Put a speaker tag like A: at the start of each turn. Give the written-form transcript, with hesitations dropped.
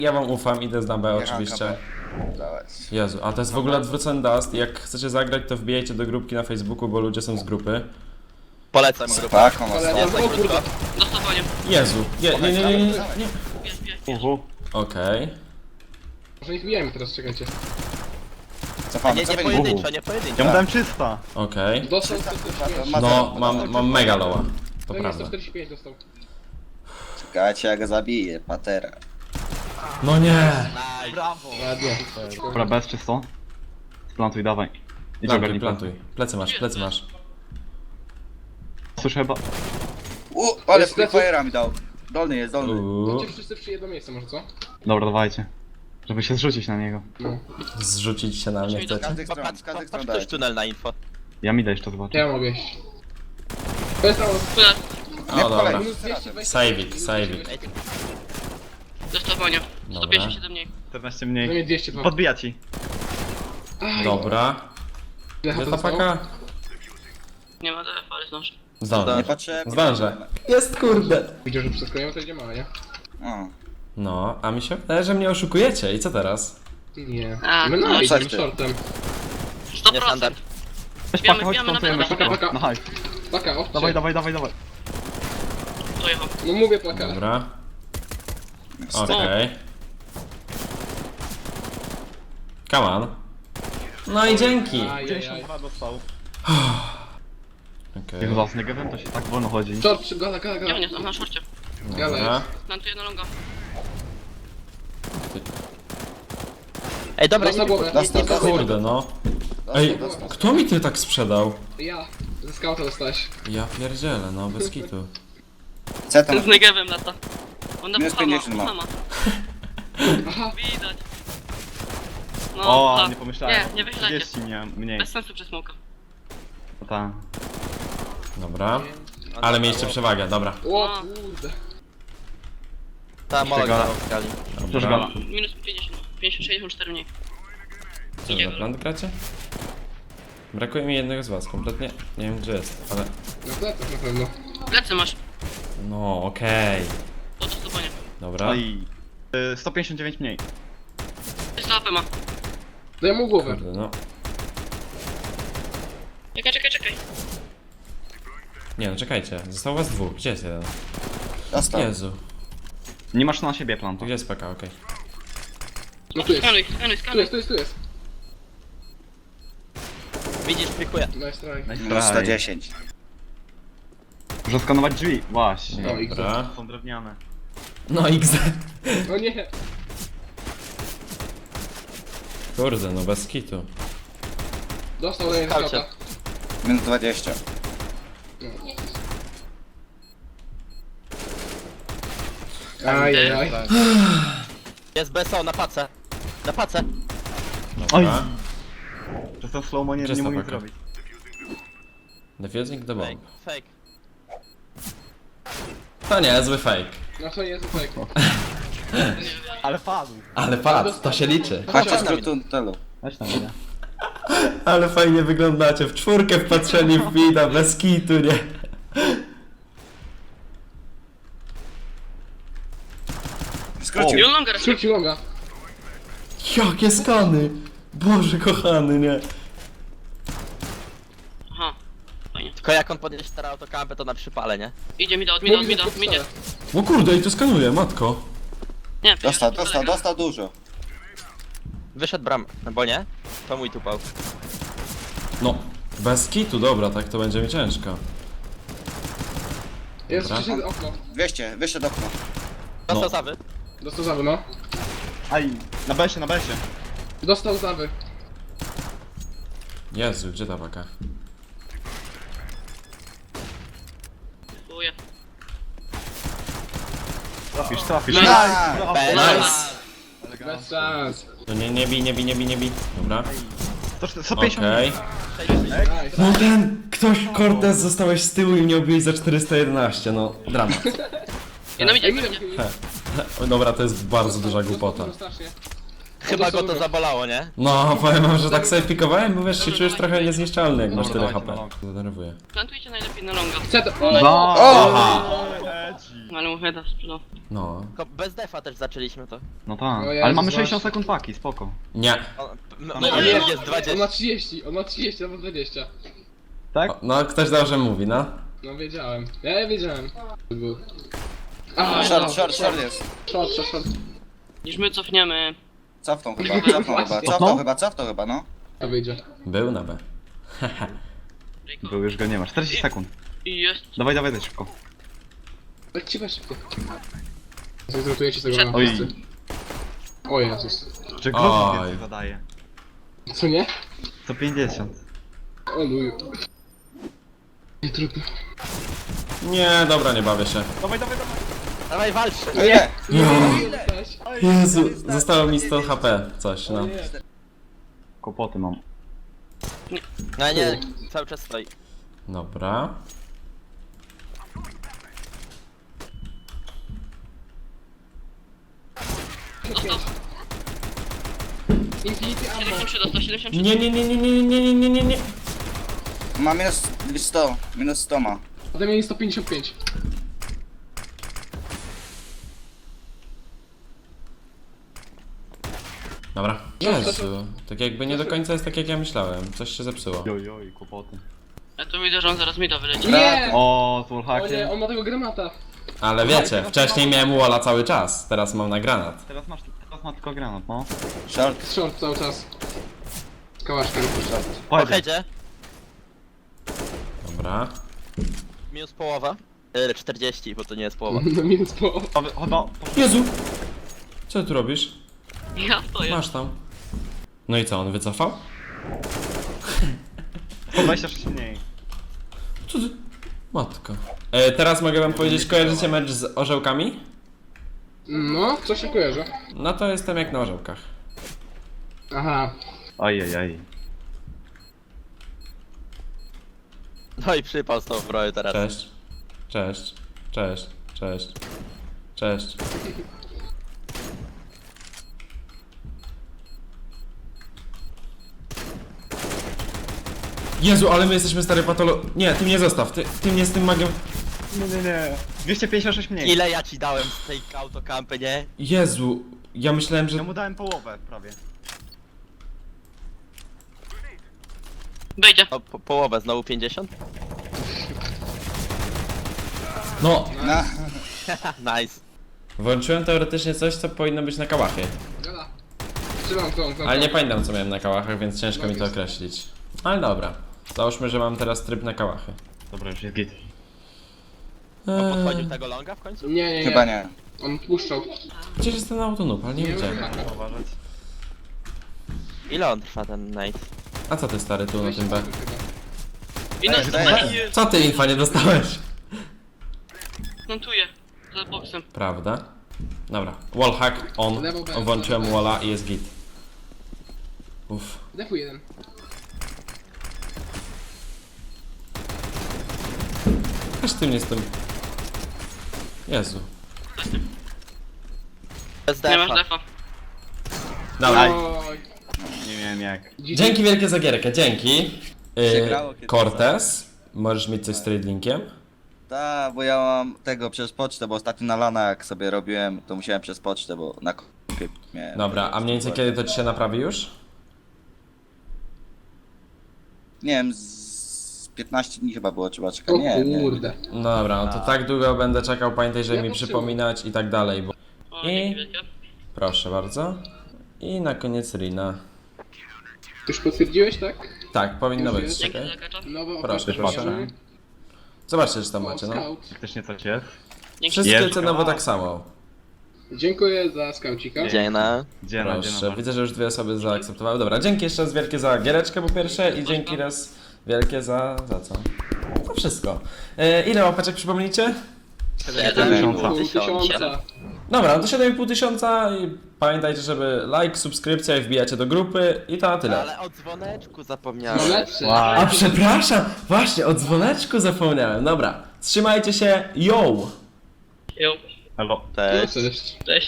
A: Ja wam ufam, idę z na B oczywiście. Jezu, a to jest w ogóle odwrócony dust. Jak chcecie zagrać, to wbijajcie do grupki na Facebooku, bo ludzie są z grupy.
B: Polecam grupę.
C: Tak, on
B: Nie jest tak krótko.
D: Dostawanie.
A: Jezu, nie.
D: Jest.
A: Okej.
E: Może ich bijemy teraz, czekajcie.
C: Cofamy,
B: Nie
C: cofamy.
B: pojedynczo, nie pojedynczo.
F: Ja mu dałem 300.
A: Okej.
E: Dostał 145.
A: No, mam mega lowa. To
E: To nie,
A: prawda.
E: 145 dostał.
C: Czekajcie, ja go zabiję, patera.
A: No nie!
B: Brawo.
E: Ładnie.
F: Dobra, bez czysto. Splantuj, dawaj. Idź
A: Plantuj,
F: ogarnij.
A: plantuj. Plecy masz.
F: Słyszę chyba.
C: Ale
E: Jest
C: Free Fire'a mi dał. Dolny jest, dolny.
E: Chodźcie wszyscy przy jedno miejsce może, co?
F: Dobra, dawajcie. Żeby się zrzucić na niego.
E: No.
A: Zrzucić się na mnie
C: Z
A: chcecie?
C: każdych stron,
B: Patrz
C: z każdych stron
B: ktoś
C: dajcie.
B: tunel na info.
F: Ja mi jeszcze zobaczę.
E: Ja mogę iść. To jest prawo.
A: O dobra.
E: Minus 220.
A: Sajwik.
D: Dostawanie.
A: Dobra.
D: 157 mniej.
F: 14
E: No
F: mniej.
E: mnie 202.
F: Podbija ci.
A: Dobra.
E: Ile
A: Jest
E: HP
A: ta
E: zostało?
A: paka?
D: Nie ma DF, ale zdążę.
C: Nie
A: Zdążę.
C: patrzę.
A: Zdążę. Jest kurde.
E: Widział, że przeskakujemy, to idzie mała, nie?
C: O.
A: No, a mi się wydaje, że mnie oszukujecie. I co teraz?
E: Nie.
D: A,
E: My
D: no,
E: no, idziemy
C: coś ty.
E: shortem.
D: 100%.
B: Nie standard.
F: Weź
D: Bijamy,
F: pakę, chodź
D: bijamy na
F: plantujemy.
D: pewno.
F: Szybko.
E: Paka.
F: Na hajs.
E: Paka, opcie.
F: Dawaj.
D: Dojechał.
E: No mówię paka.
A: Dobra. Okej. Come on. No i dzięki.
E: Ajajaj.
F: 52 dostał.
A: Okej.
F: Jak z Negevem to się tak wolno chodzi.
E: Short, gala.
D: Nie, nie, na szorcie.
E: Gala
A: Dobra.
E: jest.
D: Plantuję na longa.
B: Ej, dobra,
E: Dostał głowę.
C: Dostał, dostał.
A: Kurde no. Ej, kto mi ty tak sprzedał?
E: Ja. Ze scouta dostałeś.
A: Ja pierdzielę, no bez kitu.
C: C tam.
D: Z Negevem lata. On na
C: Minus
D: puchama,
C: 50 ma.
D: puchama.
E: Aha.
D: Widać. No,
F: O,
D: tak.
F: nie pomyślałem.
D: Nie wychylajcie.
F: 30 miałem mniej.
D: Bez sensu przez smoka.
F: To ta.
A: Dobra. Ale mieliście przewagę, dobra.
E: O kurde.
B: Ta mola
F: Gala.
B: grała w skali.
F: Też gala.
D: Minus 50, 64 mniej.
A: Co wy na plan gracie? Brakuje mi jednego z was, kompletnie nie wiem gdzie jest, ale...
E: Na plecach na pewno.
D: Plecy masz.
A: No, okej.
D: Do dostawania.
A: Dobra.
F: No i 159 mniej.
D: 300 AP ma.
E: Daj mu głowę.
A: Kurde, no.
D: Czekaj.
A: Nie no, czekajcie. Zostało was dwóch. Gdzie jest jeden?
C: Dostał.
A: Jezu.
F: Nie masz na siebie plantu.
A: Gdzie jest PK? Okej.
E: No tu jest.
D: Skanuj.
E: Tu jest.
B: Widzisz, pikuję.
E: Nice try.
F: Nice
C: Minus
F: try.
C: 110.
F: Muszę skanować drzwi. Właśnie.
E: No i
A: Dobra.
F: Są drewniane.
A: No XZ.
E: O nie.
A: Kurde, no bez kitu.
E: Dostał lane
B: Skaucie.
E: scouta.
C: Minus 20.
E: Ajajaj.
B: Jest BSO na pace. Na pace.
F: Oj!
A: Dobra.
F: Przez ten slow-mo nie
A: Czysta
F: mogę nic
A: paka.
F: zrobić.
A: Defusing the
B: Fake.
A: bomb.
B: Fake.
A: To nie, zły fake.
E: No to jest tak.
F: Ale padł.
A: Ale patrz, to się liczy.
C: Chodźcie z tunelu.
F: Weź tam mnie.
A: Ale fajnie wyglądacie. W czwórkę wpatrzeni w wida, bez kitu, nie?
C: Skrócił.
D: I on longa raczej.
E: Skróci longa.
A: Jakie skany! Boże kochany, nie?
D: Aha. Fajnie.
B: Tylko jak on podjedzie teraz autokampę, to na przypale, nie?
D: Idzie mi da,
E: Mówi, że
D: idzie.
E: podstawę.
A: O kurde, i to skanuje, matko.
D: Nie,
C: Dostał dużo.
B: Wyszedł bram, bo nie? To mój tupał.
A: No, bez kitu, dobra, tak to będzie mi ciężko.
E: Jest
A: Dobra.
E: przyszedł okno.
C: 200, wyszedł okno.
B: Dostał
A: No.
B: zawy.
E: Dostał zawy, no.
F: Aj, na besie, na besie.
E: Dostał zawy.
A: Jezu, gdzie ta paka?
D: Dziękuję.
F: Trafisz.
D: Nice.
F: Brawo.
A: Nice!
E: Bez szans.
A: No nie bij. Dobra.
F: 150
A: Okej.
E: Nice.
A: No ten, ktoś, Cortez, zostałeś z tyłu i mnie obiłeś za 411, no, dramat.
D: Jedno
E: Ej,
D: idzie.
E: minę.
A: Dobra, to jest bardzo duża głupota.
E: Strasznie.
B: Chyba go to zabolało, nie?
A: No, powiem wam, że tak sobie pikowałem, bo wiesz, się czujesz trochę niezniszczalny, jak masz
F: Dobra,
A: tyle
F: dawajcie
A: HP.
F: na long.
A: To denerwuje.
D: Plantujcie najlepiej na longa.
E: Chcę to.
F: No!
A: Aha!
F: leci.
D: Ale mu heada sprzedał.
A: No.
B: Tylko bez defa też zaczęliśmy to.
F: No tak,
E: O Jezu,
F: ale mamy
E: właśnie.
F: 60 sekund paki, spoko.
A: Nie.
B: No,
D: No,
B: jest,
D: no,
B: jest
E: On
B: 20.
E: ma 30, on ma 30 albo 20.
F: Tak?
A: O, no, ktoś dobrze mówi, no.
E: No wiedziałem. Ja wiedziałem. Był. A,
C: Short jest.
E: short.
D: Niż my cofniemy.
C: Cofną chyba, no.
E: To wyjdzie.
A: Był na B.
F: Był, już go nie ma. 40 sekund.
D: I jest.
F: Dawaj, dawaj, szybko.
E: Tak ci weź szybko. Zrotujecie z tego
D: Przed-
E: na
F: Oj.
E: wszyscy. O Jezus.
F: Czy Glocków
A: Oj.
F: więcej zadaje?
E: Co nie?
F: Co 50.
E: O luju. Nie trudno.
A: Nie, dobra, nie bawię się.
F: Dawaj, dawaj, dawaj.
B: Dawaj, walcz!
C: Nie!
A: Jezu, zostało mi 100 HP, coś, no.
F: Kłopoty mam.
B: No nie, cały czas stoi.
A: Dobra.
D: Dostał.
E: Infinity ammo.
D: 73 dostał, 73.
A: Nie, nie, nie, nie, nie, nie, nie, nie, nie, nie.
C: Ma minus 100, minus 100 ma.
E: Ode mnie 155.
A: Dobra. Jezu, tak jakby nie do końca jest tak jak ja myślałem. Coś się zepsuło.
F: Joj, kłopoty.
D: Ja tu widzę, że on zaraz mi da wyleci.
E: Nie!
F: O, z
E: O nie,
F: wallhackiem.
E: on ma tego granata.
A: Ale wiecie, wcześniej miałem walla cały czas, teraz mam na granat.
F: Teraz ma tylko granat, no.
C: Short.
E: Short cały czas. Z kałaszkiem.
B: Po
F: Pojedzie.
B: headzie,
A: Dobra.
B: minus połowa. 40, bo to nie jest połowa.
E: No minus po.
F: Chyba.
A: Jezu! Co ty robisz?
D: Ja stoję.
A: Masz tam. No i co, on wycofał?
F: Po 26 mniej.
A: Co ty? Matko. Teraz mogę wam powiedzieć, kojarzycie mecz z orzełkami?
E: No, co się kojarzy?
A: No to jestem jak na orzełkach.
E: Aha.
F: Ajajaj.
B: No i przypał z tą broją teraz.
A: Cześć. Cześć. Cześć. Cześć. Cześć. Jezu, ale my jesteśmy stary patolo... Nie, ty mnie zostaw, ty mnie z tym magiem...
F: Nie. 256 mniej.
B: Ile ja ci dałem z tej autokampy, nie?
A: Jezu, ja myślałem,
F: Ja
A: że...
F: mu dałem połowę prawie.
D: Wejdzie.
B: No, połowę, znowu 50?
A: No,
C: No.
B: Nice.
A: włączyłem teoretycznie coś, co powinno być na kałachie.
E: Gada. Trzymam tą.
A: Ale nie pamiętam, co miałem na kałachach, więc ciężko mi to określić. Ale dobra. Załóżmy, że mam teraz tryb na kałachy.
F: Dobra, już jest git.
B: Podchodził tego longa w końcu?
E: Nie.
C: Chyba nie.
E: On puszczał.
A: Gdzieś jest ten autonoob, ale nie widziałem.
F: Uważać.
B: Ile on trwa ten night?
A: A co ty stary tu na tym B?
D: I no,
C: Daj.
A: Co ty infa nie dostałeś?
D: plantuję. Za boksem.
A: Prawda? Dobra. Wallhack on.
E: Lewo B.
A: Włączyłem walla i jest git. Uff.
E: Defu jeden.
A: Aż ty mnie z tym... Jezu.
B: Bez
D: Nie masz
B: defa.
D: defa.
A: Dobra.
E: Oj.
F: Nie wiem jak.
A: Dzięki wielkie za gierkę, dzięki.
C: Się grało kiedyś.
A: Cortez, możesz mieć coś z tradingiem?
C: Tak, bo ja mam tego przez pocztę, bo ostatnio na lana jak sobie robiłem, to musiałem przez pocztę, bo na kompie miałem.
A: Dobra, a mniej więcej kiedy to ci się naprawi już?
C: Nie wiem, z 15 dni chyba było, trzeba czekać.
E: O
C: Nie.
E: kurde.
A: No dobra, no to tak długo będę czekał, pamiętaj, żeby
E: Ja
A: mi
E: to
A: przypominać i tak dalej, bo...
D: O,
A: I-
D: dzięki wielkie.
A: Proszę bardzo. I na koniec Rina.
E: Już potwierdziłeś, tak?
A: Tak, powinno
E: Już
A: być,
E: jest?
D: Dzięki
A: czekaj.
D: za kacza.
E: Nowe
A: Proszę,
E: oferty
A: proszę.
E: mamy.
A: Zobaczcie, czy tam
E: O,
A: macie, no.
E: scout.
F: Faktycznie coś jest.
D: Dzięki.
A: Wszystkie
F: Jest.
A: cenowo tak samo.
E: Dziękuję za skaucika.
B: Dziena.
A: Proszę, widzę, że już 2 osoby zaakceptowały. Dobra, dzięki jeszcze raz wielkie za giereczkę po pierwsze i dzięki raz wielkie za co? To wszystko. Ile łapeczek przypomnijcie?
E: 1000.
A: Dobra, no to 7,5 tysiąca i pamiętajcie, żeby like, subskrypcja i wbijacie do grupy i to na tyle.
B: Ale o dzwoneczku
E: No
B: zapomniałem.
E: lepsze.
A: A przepraszam, właśnie o dzwoneczku zapomniałem. Dobra, trzymajcie się, yo!
D: Jo,
F: Elo.
B: Cześć.
E: Cześć.
D: cześć.